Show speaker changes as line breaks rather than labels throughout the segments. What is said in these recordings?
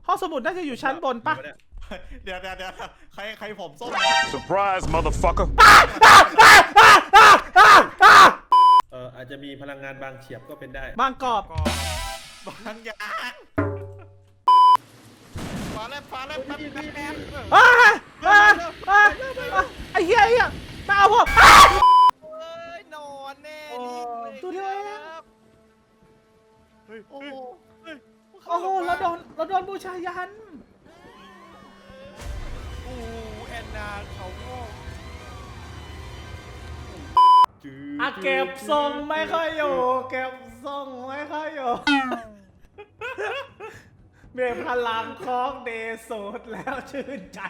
ห้องสมุดน่าจะอยู่ชั้นบนปะ
เดี๋ยวใครผมส้ม
Surprise, motherfucker.
อาจจะมีพลังงานบางเฉียบก็เป็นได้
บางกรอบ
บางอย่างฟ้าแลบแป๊บ
ไอ้เหี้ยมาเอาผม
เฮ้ยนอนแน่
ตัวเดียวเอง
โอ้โห
โอ้โหเราโดนบูชายัน
โอ้แอนนาเขาโง่
เก็บทรงไม่ค่อยอยู่เก็บทรงไม่ค่อยอยู่เมียพลังของเดโซดแล้วชื่นใจ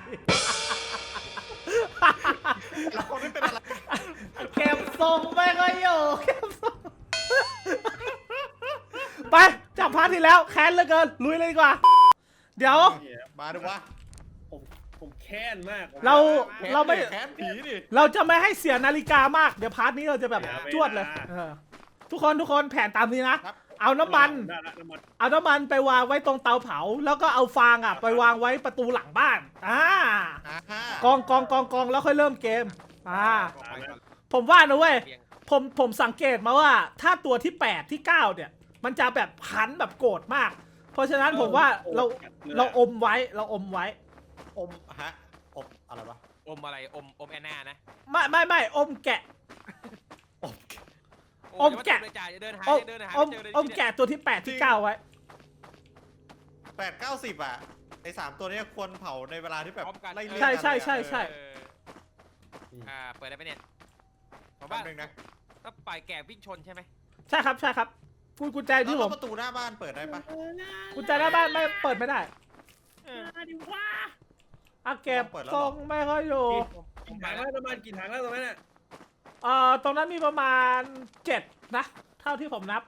เราไม่เป็นอะไร
เก็บทรงไม่ค่อยอยู่เก็บทรงไปจับพาร์ทที่แล้วแค้นเหลือเกินลุยเลยดีกว่าเดี๋ยว
มาดูวะ
ผมแค้นมาก
เราไม่
แค้นผีดิ
เราจะไม่ให้เสียนาฬิกามากเดี๋ยวพาร์ทนี้เราจะแบบจวดเลยทุกคนแผนตามนี้นะเอาน้ำมันไปวางไว้ตรงเตาเผาแล้วก็เอาฟางไปวางไว้ประตูหลังบ้านกองแล้วค่อยเริ่มเกมผมว่านะเว้ยผมสังเกตมาว่าถ้าตัวที่8ที่9เนี่ยมันจะแบบพันแบบโกรธมากเพราะฉะนั้นผมว่าเราอมไว้อม
อะไรวะ
อมอะไรอมแอนนานะ
ไม่อมแกะ อมแกะ
เดินหา
อมแกะตัวที่8ที่9ไว้
8-9-10อ่ะไอ้3ตัวนี้ควรเผาในเวลาที่แบบไล่เลี่ย
ใช่
เปิดได้ไหมเนี่ยผม
แป๊
ว่า
บนึงนะ
ต้องปล่อยแกวิ่งชนใช่ไหม
ใช่ครับกุญแจที่ผม
ประตูหน้าบ้านเปิดได้ปะ
กุญแจหน้าบ้านไม่เปิดไม่ได้เก็บทรงไม่ค่อยอยู่
กี่ถังแล้วน้ำมันกี่ถังแล้วตรงนั้นน่ะ
ตรงนั้นมีประมาณ7นะเท่าที่ผมนับ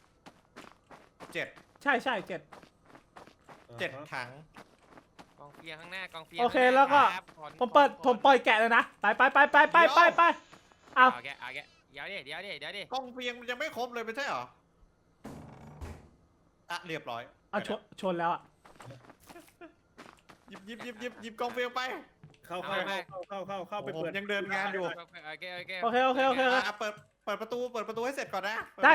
7
ใช่7
7 ถัง
กองเฟียงข้างหน้ากองเฟียง
โอเคแล้วก็ผมปล่อยแกะเลยนะไปเอา
แกเดี๋ยวดิ
กล้องเฟียงมันยังไม่ครบเลยไม่ใช่เหรอเรียบร้อย
ชนแล้ว
หยิบกล้องเฟียงไป
เข้าไป
ผม
เปิด
ยังเดินงานอยู่
โอเค
เปิดประตูให้เสร็จก่อนนะ
ได้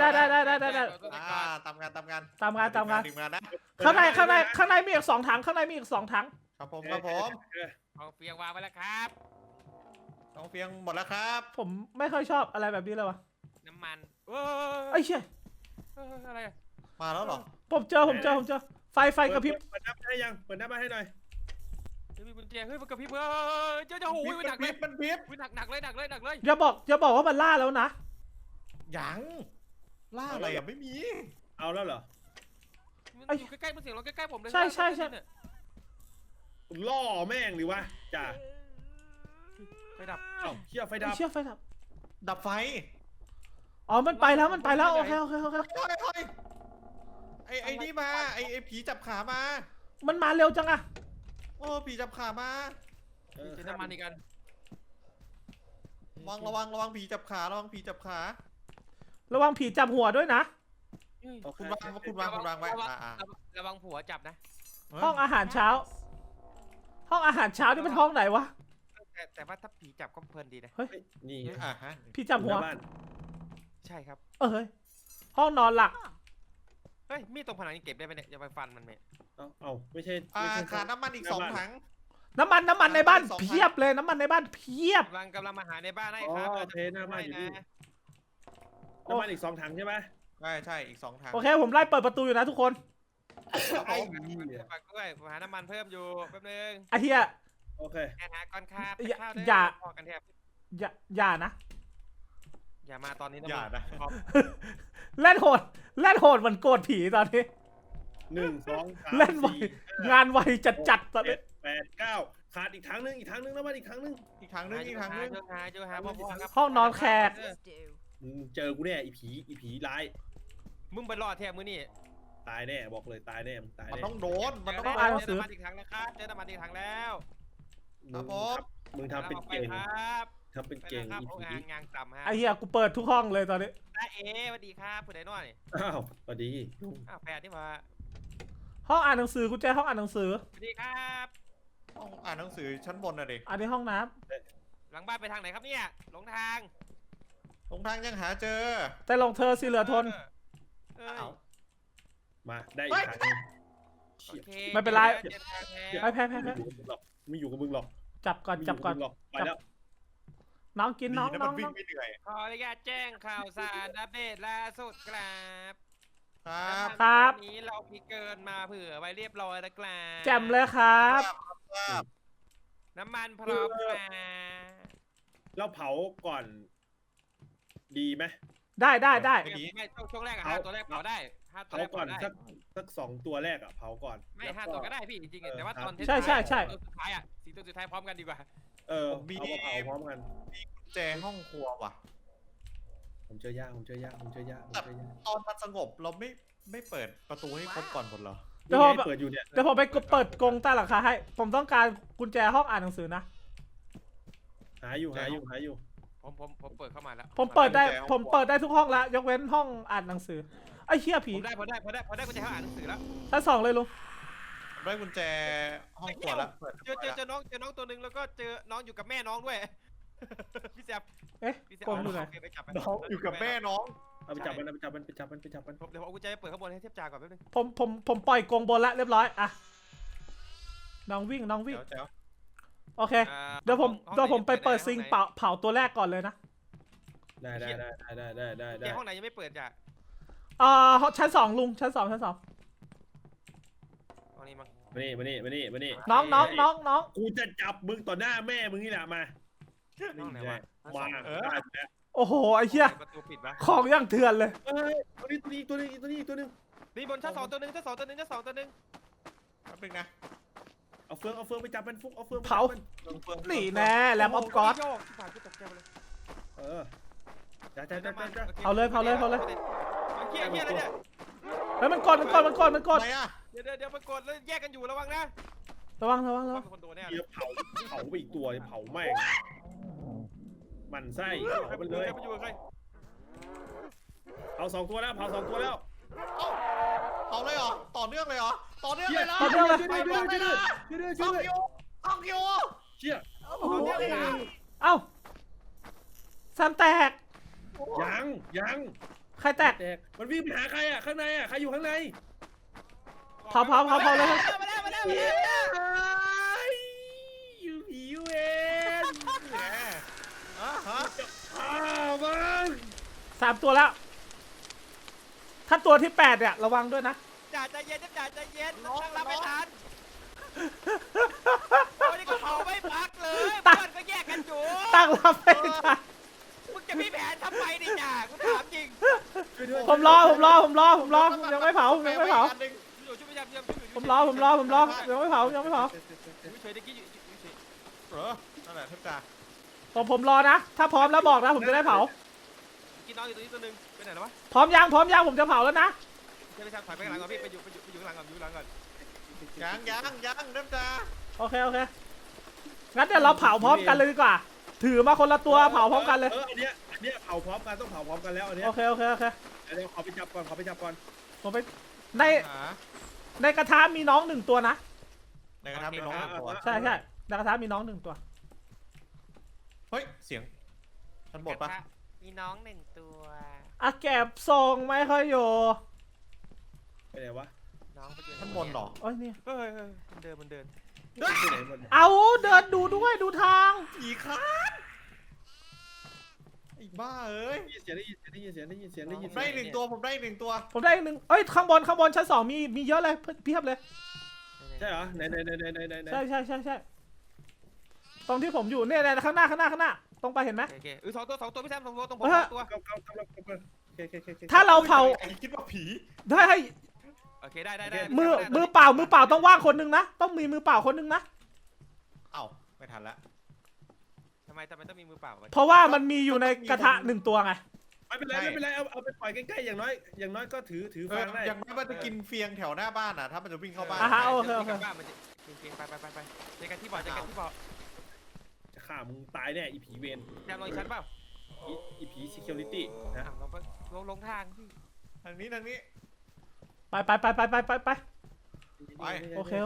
ตามงาน
ตามงาน
ดื่มงานนะ
ข้างในมีอีก2ถัง
ครับผม
กองเฟียงวางไว้แล้วครับ
กล้องเฟียงหมดแล้วครับ
ผมไม่ค่อยชอบอะไรแบบนี้เลยวะ
น้ำมัน
ไอ้เชี่ย
อะไร
มาแล้วเหรอ
ผมเจอไฟกระพริบ
เปิดน้ำให้ยังเปิดน้ำให้หน่อย
มีกุญแจเฮ้ยมันกระพริบจะหูหนักเลย
มันพิบ
หนักเลย
อย่าบอกว่ามันล่าแล้วนะ
ยังล่าอะไรไม่มี
เอาแล้วเหรอ
มันอยู่ใกล้ๆมันเสียงเราใกล้ๆผมเลย
ใช่
ล่อแม่งหรือวะจ่า
ไฟดับ
เชี่ยไฟดับ
ดับไฟ
อ๋อมันไปแล้วโอเค
ไอ้นี่มาไอ้ผีจับขามา
มันมาเร็วจังอะ
โอ้ผีจับขามา
เจอน้ำมันอีกกัน
ระวังผีจับขาระวังผีจับขา
ระวังผีจับหัวด้วยนะ
คุณวางไว้
ระวังผัวจับนะ
ห้องอาหารเช้านี่เป็นห้องไหนวะ
แต่ว่าถ้าผีจับก็เพลินดีนะ
นี่
ผีจับหัว
ใช่ครับ
เฮ้ยห้องนอนหลัก
เฮ้ยมีดตรงผนังนี่เก็บได้ไหมเนี่ยจะไปฟันมันไหม
เอาไม่ใช่
ขาดน้ำมันอีก2 ถัง
น้ำมันในบ้านเพียบเลยน้ำมันในบ้านเพียบ
กำลังมาหาในบ้านให้ครับ
เทน้ำมันอยู่นี่น้ำมันอีก2 ถังใช่ไหม
ใช่อีก2 ถัง
โอเคผมไล่เปิดประตูอยู่นะทุกคน
ฝากด้วยหาน้ำมันเพิ่มอยู่แป๊บนึง
ไอ้เหี้ย
โอเค
หาก้อนคาบ
อย่านะ
อย่ามาตอนนี้นะ
อย่านะ
เล่นโหดเหมือนโกรธผีตอนนี้
1 2 3
เล่นไวงานไวจัดตอนนี้
7 8 9ขาดอีกถังนึงน้ำมันอีกถังนึง
อีกถังนึง
เจอหาพ่อครับ
ห้องนอนแขก
เจอกูแน่อีผีร้าย
มึงไปรอดแทบมือนี่
ตายแน่บอกเลยตายแน่มึงตาย
มัน
แน่
ต้องโดนมันต้อง
อ่านหนัง
เจ
สื
อ
อ
น้ำมันอีกถังแล้วครับเจอน้ำมันอีกถังแล้ว
มึงทำเป็นเก่ง
ครับ
ทำเป็นเก่ง
ครับ
อีผี
งานต่ำฮะ
ไอ้เหี้ยกูเปิดทุกห้องเลยตอนนี้
สวัสดีครับผู้ใดน้อย
อ้าวสวัสดี
แฟนนี่มา
ห้องอ่านหนังสือกุญแจห้องอ่านหนังสือ
สวัสดีครับ
ห้องอ่านหนังสือชั้นบนน่ะดิ
อันนี้ห้องน้
หลังบ้านไปทางไหนครับเนี่ยหลงทาง
ตรงทางยังหาเจอ
ำแต่ลงเธอสิเหลือทน
เอ้ย
เอ้า
มาได้อีกทางนึง
โอเค
ไม่เป็นไร
เจ็บทางแล้ว
ไปแพ้
ไม่อยู่กับมึงหรอก
จับก่อนจับก่อน
ไม่ยู่บมึงหรไปแล้ว
น้องกินน้อง
ดีะ
น้
มั
อง
วิ่
น้
ง
อง
ไม่เหนื่อย
ขออนุญาตแจ้งข่าวสารอัปเดตล่าสุดครับ
ครับ
ครับ
วันนี้เราพิเกินมาเผื่อไว้เรียบร้อยแล้วครับ
แจ่มเลยครับ
ครับ
น้ำมันพร้อมครับ
เราเผาก่อน ดีไหม
ได้ได้ได้
ไม่ช่วงแรกอะ
เอา
5 ตัวแรกเผาได้5 ตัว
เผา
แรก
ก่อน
เผาได้
สัก2 ตัวแรกอ่ะเผาก่อน
ไม่
แล้ว
5 ตัวก็ได้พี่จริงๆแต่ว่าตอน
ใช่ใช่ใช่
ตัวสุดท้ายอะ4 ตัวสุดท้ายพร้อมกันดีกว่า
เอามาเผาพร้อมกัน
กุญแจห้องครัวว่ะ
ผมเจอยากผมเจอยากผมเจอยากผมเจอยาก
ตอนมันสงบเราไม่เปิดประตูให้ครบก่อนหมดเหรอ
เดี๋ยวผม
นี่ไงเปิดอยู่เนี่ย
เดี๋ยวผมไปเปิดกรงใต้หลังคาให้ ผมต้องการกุญแจห้องอ่านหนังสือนะ
หาอยู่
ผมเปิดเข้ามาแล้ว
ผมเปิดได้ผมเปิดได้ทุกห้องแล้วยกเว้นห้องอ่านหนังสือไอ้เหี้ยผี
ผมได้พอได้กุญแจห้องอ่านหนังสือแล้ว
ชั้น2เลยลุง
ได้กุญแจห้องครัวแล้วเปิด
เจอน้องตัวหนึ่งแล้วก็เจอน้องอยู่กับแม่น้องด้วย พี่แซม
เอ๊ะ
พี่แซม
กรงอยู่ไหน
โเคไปจับไป
น้องอยู่กับแม่น้อง
เอาไปจับมันเอาไปจับมันไปจับมันไปจับมัน
เดี๋ยวเอากุญแจไปเปิดข้างบนให้เทียบจ่าก่อนแป๊บนึง
ผมปล่อยกรงบนแล้วเรียบร้อยอะน้องวิ่งน้องวิ่ง
เจ๋ว
โอเค
อ่า
เดี๋ยวผม
ห้อง
เดี๋ยวผมไปเปิด
ห้องหน
ซิงค์เผาตัวแรกก่อนเลยนะ
ได้
เดี๋ยวห้องไหนยังไม่เปิดจ้ะ
ชั้น2ลุงชั้น 2ชั้น 2
ห้องนี้มั้ง
มานี่
น้อง
กูจะจับมึงต่อหน้าแม่มึงนี่แหละมา
ห้องไหนวะ
มาได้แล้ว
โอ้โหไอ้เหี้ย
ประตูปิดปะ
ของอย่างเถื่อนเลย
เอ้ยตัวนี้ตัวนึง
นี่บนชั้น 2 ตัวหนึงชั้น 2 ตัวหนึงชั้น 2 ตัวหนึง
แป๊บนึงนะ
เอาเฟืองไปจับมันฟุกเอาเฟือง
เผา นี่แน่แลมออฟกอด
โยกผ่านกูตกใจไปเลย
เออจ้า
โอค
เอาเลย
มันเคี้ยอะไรเนี่ย
เฮ้ยมันกด
อะไรอ่ะ
เดี๋ยวมันกดแล้วแยกกันอยู่ระวังนะ
ระวัง
เป็นคนโดนแน่
เดี๋ยวเผาไปอีกตัวเผาแม่งมันไส้เผามันเลย
มันอยู่กับใคร
เผา2 ตัวแล้วเผา2 ตัวแล้ว
เอาเลยเหรอต่อเนื่องเลยเหรอต่อเนื่องเลยเหรอ
ต่อเนื่องเลย
ห้องคิวห้องคิว
เชี่ย
ต่อเนื่องเลยนะ
เอ้าแซมแตก
ยัง
ใครแตก
แตกมันวิ่งไปหาใครอ่ะข้างในอ่ะใครอยู่ข้างใน
เผาเลย
มาแล้ว
อยู่ผีอยู่เอง
แหมอ่ะฮะ
มัน
3 ตัวแล้ว ถ้าตัวที่8เนี่ยระวังด้วยนะ
จ่าใจเย็นตั้งรับไม่ทันโอ้ยนี่ก็เผาไม่พักเลยเพื่อนก็แยกกันอยู่
ตั้งรับไม่ทัน
มึงจะมีแผนทำไมดิจ่ากูถามจริง
ผมรอยังไม่เผา
อันหนึ่ง
อยู่ช่วยพยายาม
ผมรอยังไม่เผา
เฉยๆตะกี้อยู่เฉย
เหรอนั่นแหละทุกจ่า
ผมรอนะ ถ้าพร้อมแล้วบอกนะผมจะได้เผา
กินน้องอยู่ตรงนี้ตัวนึงไปไหนแล้ววะ
พร้อมยังผมจะเผาแล้วนะ
ใช่ไม่ใช่ถอยไปข้างหลังก่อนพี่ไปอยู่ข้างหลังก่อนก่อน
ยังเริ่มจ่า
โอเคงั้นเดี๋ยวเราเผาพร้อมกันเลยดีกว่า ถือมาคนละตัวเผาพร้อมกันเลย
อันเนี้ยเผาพร้อมกันต้องเผาพร้อมกันแล้วอันเนี้ย
โอเค
เดี๋ยวขอไปจับก่อน
ผมไปใน
หา
ในกระทะมีน้อง1 ตัวนะ
ในกระทะมีน้องตัว
ใช่ในกระทะมีน้อง1 ตัว
เฮ้ยเสียงชั้นบนปะ
มีน้อง1 ตัว
อะแก็บทรงไม่ค่อยอยู่
ไปไหนวะ
น้องไปอยู่
ชั้นบนเหรอ
โอ้ยนี่
เฮ้ยมันเดิน
ไปไหนมัน
เอาเดินดูด้วยดูทาง
ผีคานไอ้บ้าเอ้ย
ได้ยินเสียง
ผมได้อีกหนึ่งตัว
ผมได้อีก1เอ้ยข้างบนชั้น 2มีเยอะเลยเพียบเลย
ใช่เหรอไหน
ใช่ตรงที่ผมอยู่เนี่ยข้างหน้าตรงไปเห็นไหม
โอเค2 ตัวพี่แซม2 ตัวตรงผม
เออ
2 ตัว
ถ้าเราเผา
ไอ้คิดว่าผี
ได้ให้
โอเคได้
มือเปล่าต้องว่างคนนึงนะต้องมีมือเปล่าคนนึงนะ
เอ้าไม่ทันละ
ทำไมต้องมีมือเปล่า
เพราะว่ามันมีอยู่ในกระทะ1 ตัวไง
ไม่เป็นไรเอาไปปล่อยใกล้ๆอย่างน้อยก็ถือฟางได้
อย่างน้อยมันจะกินเฟียงแถวหน้าบ้านอ่ะถ้ามันจะวิ่งเข้าบ้าน
โอเค
ไปเจอกันที่บ่อเจอกันที่บ่อ
จะฆ่ามึงตายแน่อีผีเวร
แซมลองอีกชั้นเปล่า
อีผี security นะ
ลองลงทางพี่
ทางนี้
ไป
ไป
โอเค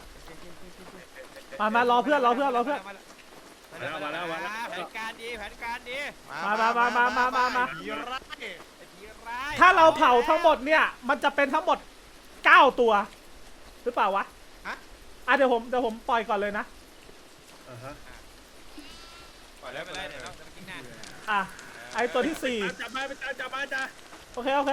มารอเพื่อน
มาแล้ว
มาแล้ว
แผนการดีแผนการดี
มา
ผีร้าย
ไอ้ผีร้าย
ถ้าเราเผาทั้งหมดเนี่ยมันจะเป็นทั้งหมด9ตัวหรือเปล่าวะ
ฮะ
เดี๋ยวผมปล่อยก่อนเลยนะ
ปล่อยแล้วไปเลยเดี๋ยวเราจะไปกินหน้า
อ่ะไอตัวที่
จับมาจับมาจ้า
4โอเค
วาง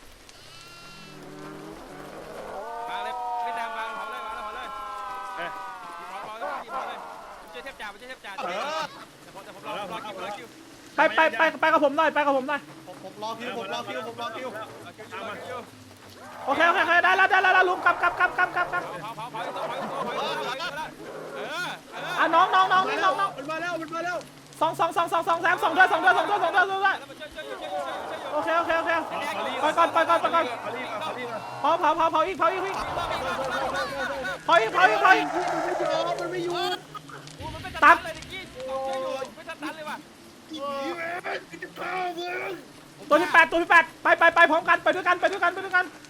เลยไม่ตามวางเผาเลยวางแล้วเผาเลยเผาเลยช่วยเทพจ่าแต่ผมรอคิว
ไปกับผมหน่อย
ผมรอคิว
โอเคได้แล้วลุงกลับอ่ะน้อง
มันมาแล้ว
สองแซม2ด้วยโอเคไปก่อนเผาอีก
มันไม่อยู่
มันไม่ตัดเลยกี้ไม่ตัดเลยว่ะ
ตัวที่ 8ไปพร้อมกันไปด้วยกัน
ไปช่วยได้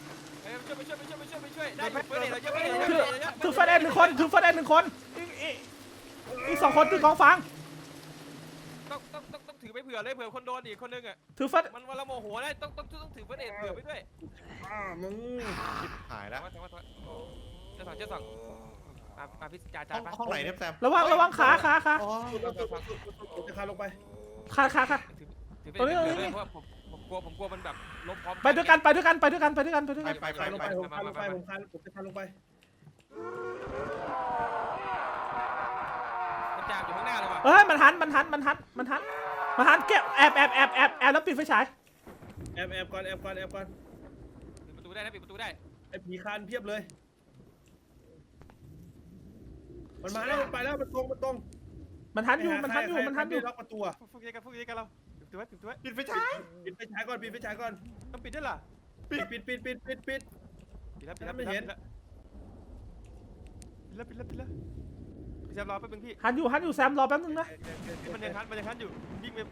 เพื่อนเราเยอะไปเลย
ถือเฟรน1 คนอีก2 คนถือกองฟาง
ต้องถือไปเผื่อเลยเผื่อคนโดนอีกคนนึงอ่ะ
ถือเฟรน
มันวันละโมโหได้ต้องถือเพื่อนเผื่อไปด้วย
มึง
หายแล้ว
เจ้าสองมาพิจารณา
ห้องไหนเนี่ยแซม
ระวังขา
อ๋อ
จะคาลงไป
ขา
ถือเป็นเผื่อเลยเพราะผมกลัวมันแบบล้มพร้อม
ไปด้วยกัน
ไป
ผมจะคาลงไป
มันจามอยู่ข้างหน้าเลยว่ะ
เฮ้ยมันหันเก็บแอบแล้วปิดไฟฉาย
แอบก่อน
ปิดประตูได้นะปิดประตูได้
ไอ้ผีคานเพียบเลยมันมาแล้วมันไปแล้วมันตรง
มันหันอยู่
ล็อกประตู
พวกนี้กันเราปิดประตูไว้
ปิดไฟฉาย
ปิดไฟฉายก่อน
ต้องปิดด้วยล่ะ
ปิด
ปิดแล้วพี่แซมรอแป๊บนึงพี่
หันอยู่แซมรอแป๊บนึงนะ
มันยังคันอยู่วิ่งไป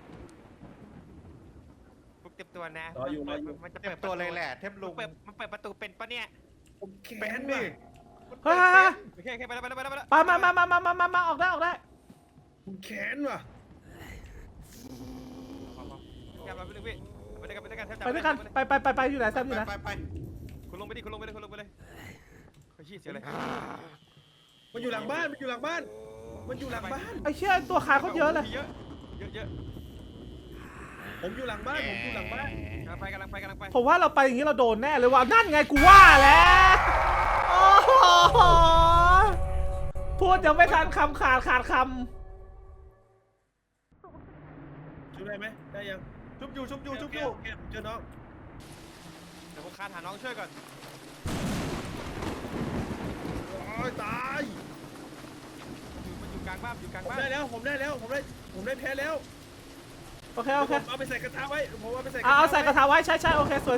พวกเต็มตัวนะมันจะ
เต็มตัวเลยแหละเทพลุง
มันเปิดประตูเป็นปะเนี่ย
ผมแค้นว่ะ
เฮ้ย
โอเคไปแล้ว
มาออกได้
ผมแค้นว่ะ
แซมรอแป๊บนึงพี่ไปด้วยกัน
ไปอยู่ไหนแซมอยู่ไหน
ไป
คุณลงไปเลยไปชี้เสียเลย
มันอยู่หลังบ้าน
ไอ้เชี่ยตัวขาเขาเยอะเลย
เยอะ
ผมอยู่หลังบ้าน
กำลังไป
ผมว่าเราไปอย่างนี้เราโดนแน่เลยว่ะนั่นไงกูว่าแล้วโอ้โหพูดยังไม่ทันคำขาดค
ช่วยได้ไหมได้ยัง
ชุบอยู่
แกเจอน้อง
เดี๋ยวผมคานหาน้องช่วยก่อน
ตาย
มันอยู่กลางบ้าน
ผมได้แล้วผมได้แพ้แล้ว
ำโอเค
เอาไปใส่กระทะไว้ผมเอาไปใส่
เอาใส่กระทะไว้ใช่โอเคสวย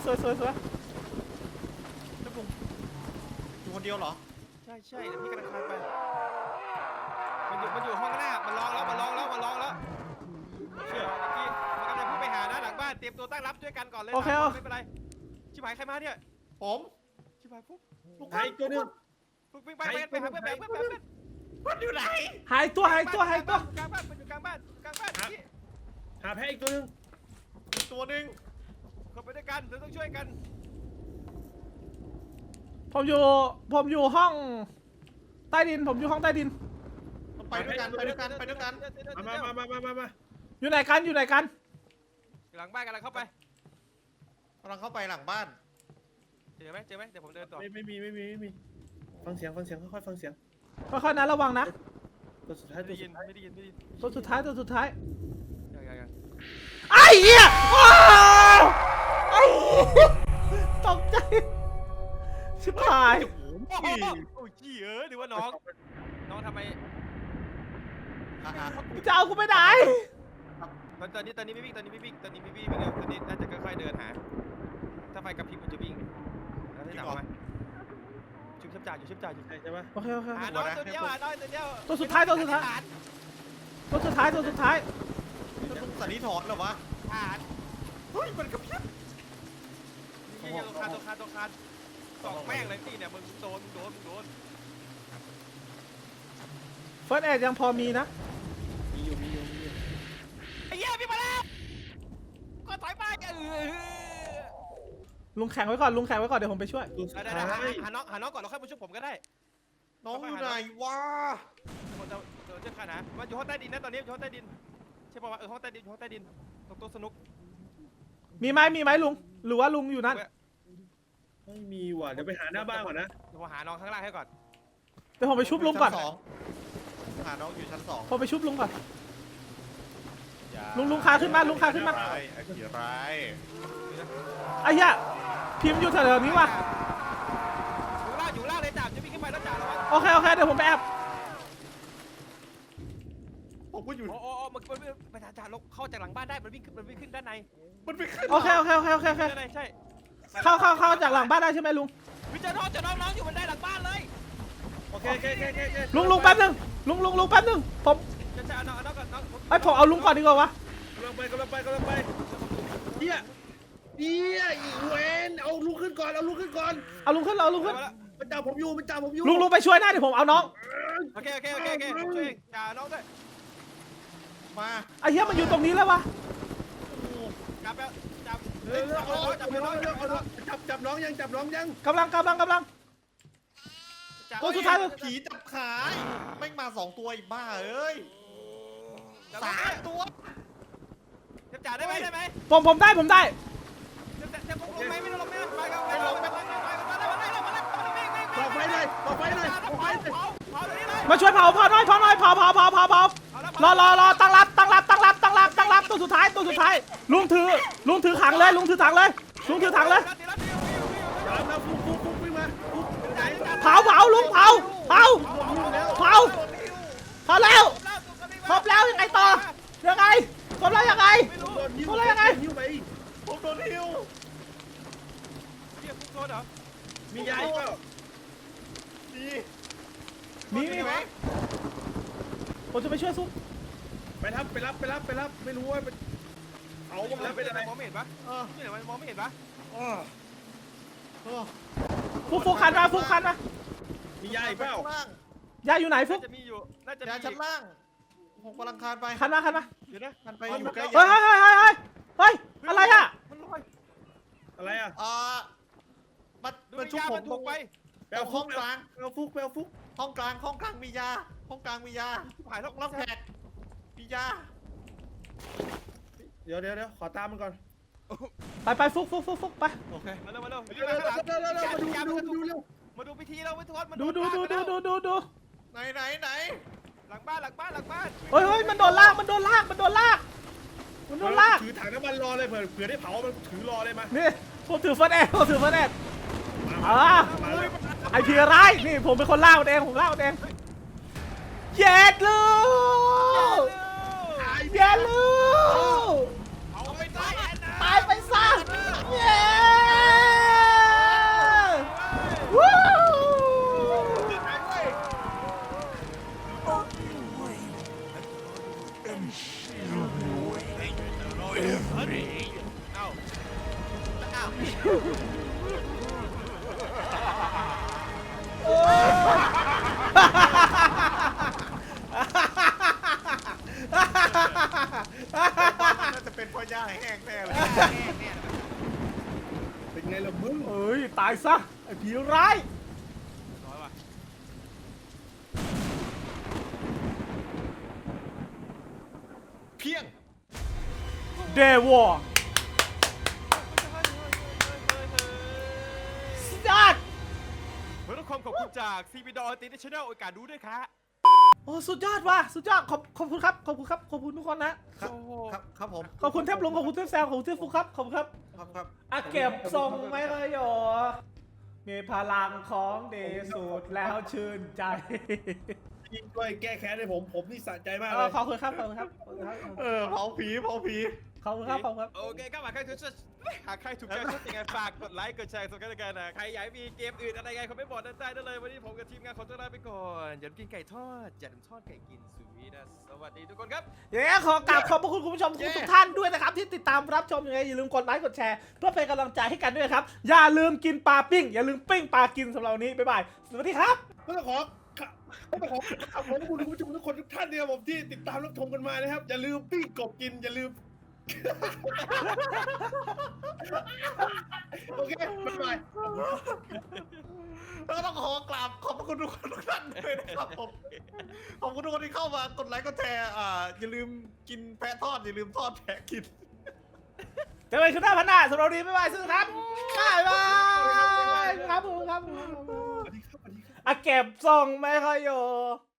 อยู่คนเดียวเหรอ
ใช่เดี๋ยวพี่กำลังคานไปมันอยู่ห้องหน้ามันร้องแล้วเชื่อเมื่อกี้มันกำลังพุ่งไปหานะหลังบ้านเตรียมตัวตั้งรับด้วยกันก่อนเลยไม่เป็นไรชิบหายใครมาเนี่ย
ผม
ชิบหายฟุ๊ก
ไอ้ตัวนึง
ฟุ๊กวิ่งไปหาเพื่อน
มันอยู่ไหน
หายตัว
กลางบ้านมันอยู่กลางบ้านนี่
หาแพ้อีกตัวนึง
อีกตัวหนึ่ง
เข้าไปด้วยกันเราต้องช่วยกัน
ผมอยู่ห้องใต้ดิน
ไปด้วยกัน
มา
อยู่ไหนกัน
หลังบ้านกำลังเข้าไป
กำลังเข้าไปหลังบ้าน
เจอไหมเดี๋ยวผมเดินต่อ
ไม่มีฟังเสียงค่อยฟังเสียง
ค่อยๆนะระวังนะ
ตัวสุดท้าย
ไม่ได้ยิน
ตัวสุดท้าย
ยัง
ไอ้เหี้ยไอ้ตกใจชิบหาย
โอ้ยจี้หรือว่าน้องทำไม
จะเอากูไปไหน
ตอนนี้ไม่วิ่งตอนนี้น่าจะค่อยๆเดินหาถ้าไฟกระพริบมันจะวิ่งแล้วได้หนักไหมชิบจ่าอยู่
ใช่ปะ
โอเค
หาน้อยตัวเดียว
ตัวสุดท้าย
ลุงสันนิษฐานเหรอวะ
ผ่าน
เฮ้ยมันกระพริบ
ตัวคานสองแม่งเลยพี่เนี่ยมึงโดน
เฟิร์สเอ็ดยังพอมีนะ
มีอยู่
ไอ้เหี้ยพี่มาแล้วก็ถอยไป
ลุงแข่งไว้ก่อนลุงแข่งไว้ก่อนเดี๋ยวผมไปช่วย
ตัวสุด
ได้
ท้าย
หาน้องก่อนเราค่อยมาช่วยผมก็ได้
น้องอยู่ไหนวะ
ผมจะเชื่อข้านะมันอยู่ห้องใต้ดินนะตอนนี้อยู่ห้องใต้ดินใช่ป่าวห้องใต้ดินอยู่ห้องใต้ดินตรงโต๊ะสนุก
มีไหมลุงหรือว่าลุงอยู่นั่น
ไม่มีว่ะเดี๋ยวไปหาหน้าบ้านก่อนนะ
เดี๋ยวผมหาน้องข้างล่างให้ก่อน
เดี๋ยวผมไปชุบลุงก่อน
ชั้สหาน้องอยู่ชั้น 2
ผมไปชุบลุงก่อนลุงคาขึ้นมาลุงคาขึ้นมา
ร้ายไอ้ผีร้าย
ไอ้เหี้ยพิมพ์อยู่แถวๆนี้ว่ะ
อยู่ล่างเลยจ่าจะวิ่งขึ้นไปแล้วจ่าระวัง
โอเคเดี๋ยวผมไปแอบ
ผมก็อยู่
โอ้มันไปจ่าลงเข้าจากหลังบ้านได้มันวิ่งขึ้นด้านใน
มันไม่ขึ้น
โอเค
ด้านในใช่
เข้าจากหลังบ้านได้ใช่ไหมลุง
วิจารณ์จะน้องอยู่บนได้หลังบ้านเลย
โอเค
ลุงแป๊บนึงลุงแป๊บนึงผม
จะเอาน้องก่อนน้อง
ไอ้ผมเอาลุงก่อนดีกว่าวะ
กำลังไปเฮียอีเวนเอาลุกขึ้นก่อน
เอาลุงขึ้น
มันจับผมอยู่
ลุงไปช่วยหน้าเดี๋ยวผมเอาน้อง
โอเคช่วยจ่าน้องด้วย
มา
ไอ้เหี้ยมันอยู่ตรงนี้แล้ววะ
จับแล้วจับ
เร็วจับน้องยัง
กำลังตัวสุดท้ายเลย
ผีจับขาแม่งมา2 ตัวอีกบ้าเอ้ย3 ตัว
จ่าได้ไหม
ผมได้
จะลงไหมไม่ต้องลงไปกันไปลงไป
บอกไฟเลย
มาช่วยเผาหน่อยรอตั้งรับตัวสุดท้ายลุงถือถังเลยลุงถือถังเลย
แล้วฟุกวิ่งมา
เผาลุงเผาพอแล้วครบแล้วยังไงต่อยังไงครบแล้วยังไง
หิ้วไป
ผมโดนหิ้ว
มียาอีกเปล่า
มีไหมผมจะไปช่วยซุป
ไปรับไม่รู้ว่าเอาหมดแล้วเป็นอะไร
มองไม่เห็นปะนี่ไหนมันมองไม่เห็นปะ
ฟุกคันมา
มียาอีกเปล่าย
าอยู่ไหนฟุก
จะมีอยู่น่าจะ
ยาชั้นล่างผมกำลังคานไป
คันมา
เดี๋ยวนะ
คันไปอยู่ใกล้
เฮ้ยอะไรอ่ะ
มันลอย
อะไรอ่ะ
มันชุบผม
ถูกไป
แปลฟุกแปลฟุก
ห้องกลางมียา
หายแล้ว
รับแขกมียา
เดี๋ยวขอตามมันก่อน
ไปฟุกไป
โอเค
มาเร็ว
มาดูพิธีเราไม่ทอด
ดู
ไหน
หลังบ้าน
เฮ้ยมันโดนลาก
ถือถังน้ำมันรอเลยเผื่อได้เผามันถือรอเลยมา
นี่ผมถือเฟิร์สแอดไอพีร้ายนี่ผมเป็นคนล่ามันเองผมล่ามันเองเย็ดลูก
เอาไปตาย
ตายไปซะเย้วู้
น่าจะเป็นเพราะยาแห้งแน่เลย
เป็นไงล่ะมึง
เอ้ยตายซะไอผีร้าย
เพียง
เดวอร์สตาร์ท
เพื่อความขอบคุณจาก CBD International โอกาสดูด้วยครับ
โอ้สุดยอดว่ะสุดยอดขอบคุณครับขอบคุณทุกคนนะครับ
ครับผม
ขอบคุณเทพลุงขอบคุณเทพแซมขอบคุณเทพฟุกครับขอบคุณครับ
ครับ
อ่ะเก็บทรงไม่เคยหยอมีพลังของดีสุดแล้วชื่นใจ
ยิงด้วยแก้แค้นให้ผมนี่สะใจมาก
เอ
เล
อย ขอบคุณครับ
เผาผี
ขขอบคุณครับขอบคุณครับ
โอเคครับหากใครถูกใจชอบยังไงฝากกดไลค์กดแชร์สำคัญกันนะใครอยากมีเกมอื่นอะไรไงคอมเมนต์บอกด้านใต้ได้เลยวันนี้ผมกับทีมงานขอตัวลาไปก่อนอย่าลืมกินไก่ทอดอย่าลืมทอดไก่กินสุวีนะสวัสดีทุกคนครับ
อย่างนี้ขอกราบขอบพระคุณคุณผู้ชมทุกท่านด้วยนะครับที่ติดตามรับชมยังไงอย่าลืมกดไลค์กดแชร์เพื่อเป็นกำลังใจให้กันด้วยครับอย่าลืมกินปลาปิ้งอย่าลืมปิ้งปลากินสำหรับวันนี้บ๊ายบายสวัสดีครับ
ก็ต้องขอขอบคุณผู้ชมทุกคนทุกท่านเนี่ยผมที่ติดตามรับชมกันมานะครับอย่าลืมปิ้งกบกินอย่าลืมโอเคบ๊ายบาย
แล้วก็ต้องขอกราบขอบพระคุณทุกคนทุกท่านด้วยนะครับผมขอบคุณทุกคนที่เข้ามากดไลค์กดแชร์อย่าลืมกินแพะทอดอย่าลืมทอดแพะกิน
เจอกันขึ้นหน้าพันหน้าสำหรับวันนี้บ๊ายบายซึ่งครับบ๊ายบายครับผมครับ
สวัสดีครับ
อ่ะเก็บทรงไม่ค่อยอยู่